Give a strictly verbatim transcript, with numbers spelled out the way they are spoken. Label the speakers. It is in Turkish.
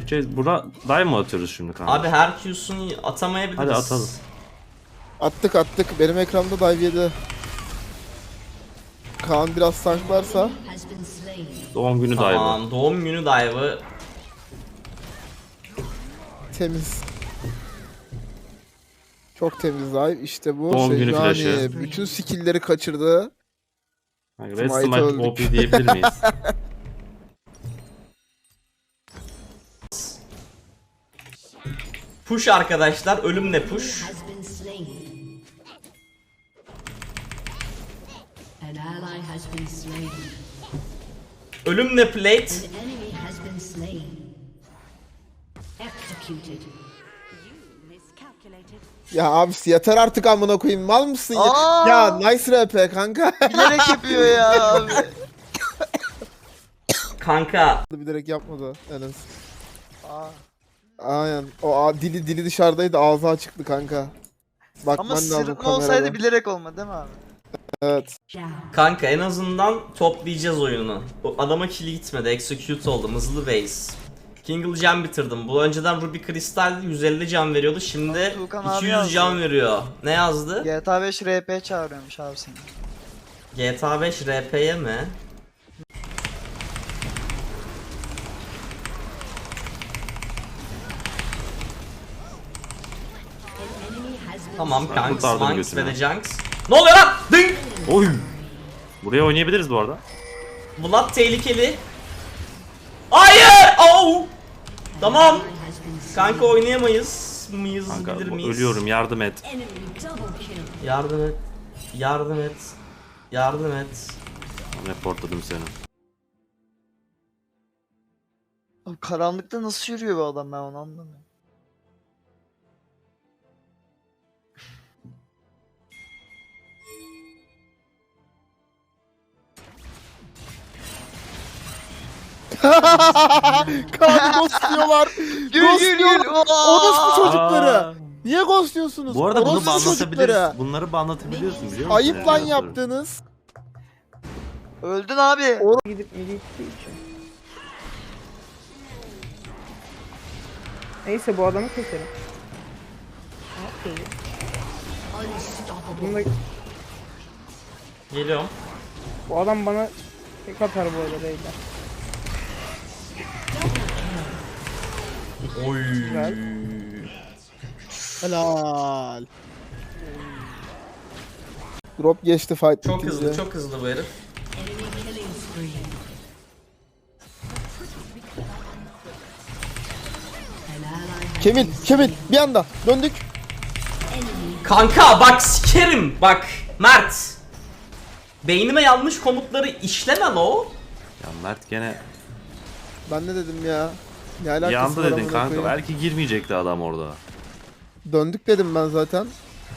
Speaker 1: Şey, bura dive mı atıyoruz şimdi kanka?
Speaker 2: Abi Hercule's'un atamayabiliriz.
Speaker 1: Hadi atalım.
Speaker 3: Attık attık. Benim ekranda dive yedi. Kaan biraz sanklarsa.
Speaker 1: Doğum günü dive'ı.
Speaker 2: Tamam, doğum günü dive'ı.
Speaker 3: Temiz. Çok temiz dive. İşte bu.
Speaker 1: Doğum günü
Speaker 3: yani
Speaker 1: flash'ı.
Speaker 3: bütün skill'leri kaçırdı.
Speaker 1: Kanka, Red
Speaker 3: Smite
Speaker 1: Smite
Speaker 3: öldük.
Speaker 1: O P diyebilir miyiz?
Speaker 2: Push arkadaşlar, ölümle push.
Speaker 4: An ally has been slain.
Speaker 2: Ölümle plate.
Speaker 4: An enemy has been slain. Executed.
Speaker 3: Ya abisi yeter artık amına koyayım. Mal mısın ya?
Speaker 5: Aa!
Speaker 3: Ya nice R P kanka.
Speaker 5: Bilerek yapıyor ya abi.
Speaker 2: Kanka.
Speaker 3: Bilerek yapmadı Enes.
Speaker 5: Aa.
Speaker 3: Aynen. O a- dili dili dışarıdaydı, ağzı açıktı kanka. Bakman
Speaker 5: Ama
Speaker 3: lazım
Speaker 5: sırıtma
Speaker 3: kamerada.
Speaker 5: olsaydı bilerek olmadı değil mi abi?
Speaker 3: Evet.
Speaker 4: Down.
Speaker 2: Kanka en azından toplayacağız oyunu. O adama kill gitmedi. Execute oldum. Hızlı base. Kingle can bitirdim. Bu önceden Ruby Crystal yüz elli can veriyordu. Şimdi
Speaker 5: Tuğkan abi
Speaker 2: iki yüz
Speaker 5: yazdı.
Speaker 2: can veriyor. Ne yazdı?
Speaker 5: G T A beş R P çağırıyormuş abi seni.
Speaker 2: G T A beş R P'ye mi?
Speaker 4: An enemy has been
Speaker 2: Tamam
Speaker 1: Ben
Speaker 2: kanks,
Speaker 1: kurtardım
Speaker 2: manks ve
Speaker 1: götünü.
Speaker 2: de junks. Ne oluyor lan? Ding!
Speaker 1: Oy! Buraya oynayabiliriz bu arada.
Speaker 2: Blood tehlikeli. Hayır! Oh! Tamam.
Speaker 4: has been slain.
Speaker 2: Kanka oynayamayız. Mıyız
Speaker 1: Kanka
Speaker 2: bilir
Speaker 1: bu-
Speaker 2: miyiz?
Speaker 1: ölüyorum, yardım et.
Speaker 4: Enemy double kill.
Speaker 2: Yardım et. Yardım et. Yardım et.
Speaker 1: Reportladım seni.
Speaker 5: Abi karanlıkta nasıl yürüyor bu adam, ben onu anlamıyorum.
Speaker 3: Kaan ghostluyorlar.
Speaker 5: Gül gül gül.
Speaker 3: Orospu çocukları.
Speaker 1: Aa!
Speaker 3: Niye ghostluyorsunuz?
Speaker 1: Bu arada bunu
Speaker 3: Orospu
Speaker 1: banlatabiliriz.
Speaker 3: çocukları.
Speaker 1: Bunları banlatabiliyorsun biliyor musun?
Speaker 3: Ayıp lan
Speaker 1: Evet,
Speaker 3: yaptığınız.
Speaker 5: Öldün abi.
Speaker 6: Gidip midi ittiği için. Neyse bu adamı keselim. Okay. Bunda,
Speaker 2: Geliyorum.
Speaker 6: bu adam bana tek atar bu arada beyler.
Speaker 2: Oy.
Speaker 6: Güzel.
Speaker 3: Helal. Drop geçti fight.
Speaker 2: Çok
Speaker 3: bitince.
Speaker 2: hızlı, çok hızlı bu herif.
Speaker 4: Enemy killing spree. An ally has
Speaker 3: Kevin,
Speaker 4: been
Speaker 3: Kevin
Speaker 4: slain.
Speaker 3: bir anda döndük.
Speaker 4: Enemy
Speaker 2: Kanka bak sikerim. Bak Mert. Beynime yanlış komutları işleme lo.
Speaker 1: Ya Mert gene
Speaker 3: Ben ne dedim ya? Ne alakası
Speaker 1: yandı
Speaker 3: var
Speaker 1: dedin
Speaker 3: amına
Speaker 1: kanka.
Speaker 3: koyayım?
Speaker 1: Belki girmeyecekti adam orada.
Speaker 3: Döndük dedim ben zaten.